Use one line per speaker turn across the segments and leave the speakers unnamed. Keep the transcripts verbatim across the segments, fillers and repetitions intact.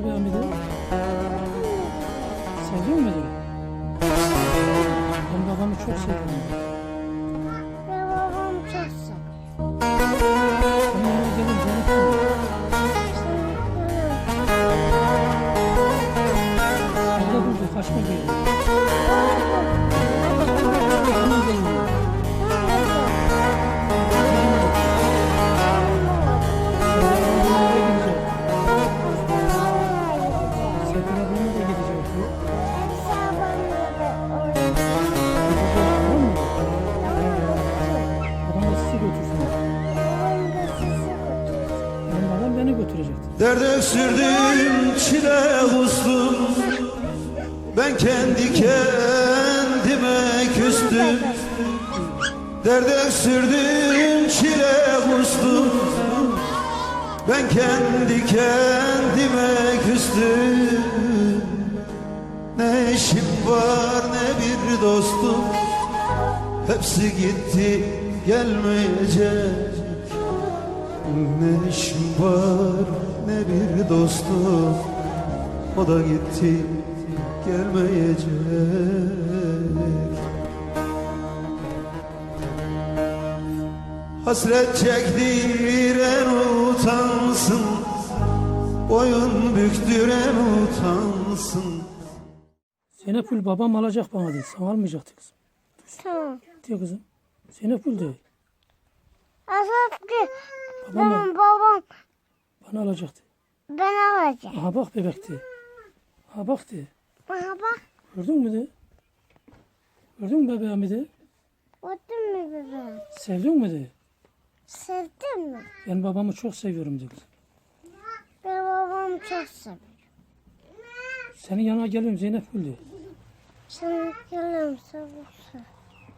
bebeğim dedi? Seviyor mu dedi? Ben babamı çok seviyorum.
Ben babamı çok seviyorum.
Sen yanına gelin Zeynep dedi. Orada durdu, kaçma geldi. Hemen geliyor. Serpil ablama da gidecek. Babam da sizi götürsün. Benim babam beni götürecekti.
Derde sürdüm, çile kustum. Ben kendi kendime küstüm. Derde sürdüm, çile kustum. Ben kendi kendime küstüm. Ne eşim var ne bir dostum. Hepsi gitti gelmeyecek. Ne işim var ne bir dostum. O da gitti gelmeyecek. Hasret çektiren utansın, boyun büktüren utansın.
Zeynepül babam alacak bana dedi. Sen almayacaktı kızım.
Tamam.
Diyor kızım. Zeynepül de
Asaf ki
babam
benim babam
bana alacaktı.
ben alacağım.
Aha bak bebekti. Aha bak de.
Bana bak.
Gördün mü de? Gördün mü bebeğimi de?
Gördün mü bebeğim?
Sevdin mi de?
Sevdin mi?
Ben babamı çok seviyorum de kızım.
Ben babamı çok seviyorum.
Senin yanına geliyorum Zeynepül de.
Sen geliyorum sabırsa.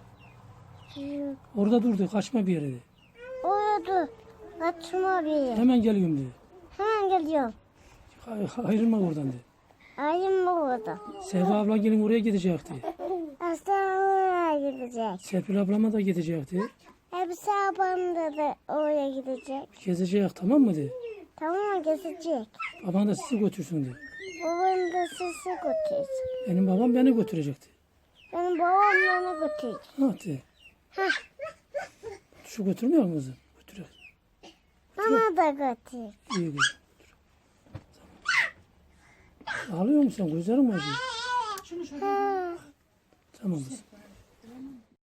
Orada durdu. Kaçma bir yere de.
Orada kaçma bir yer.
Hemen geliyorum de.
Hemen geliyorum.
Hay- Ayrılma oradan de.
Ayım mı orada?
Sevda abla gelin oraya gidecekti.
Aslan oraya gidecek.
Serpil ablama da gidecekti.
Hepsi abamda da oraya gidecek.
Gezecek tamam mı de.
Tamam gezecek.
Baban da sizi götürsün de.
Babam da sizi götürecek.
Benim babam beni götürecekti.
Benim babam beni götürecek.
Ha de. Şu götürmüyor mu kızım? Götürüyor.
Bana da götürecek.
İyi kızım. Ağlıyor musun? Gözlerin mi acıyor?
Ha.
Tamam kızım.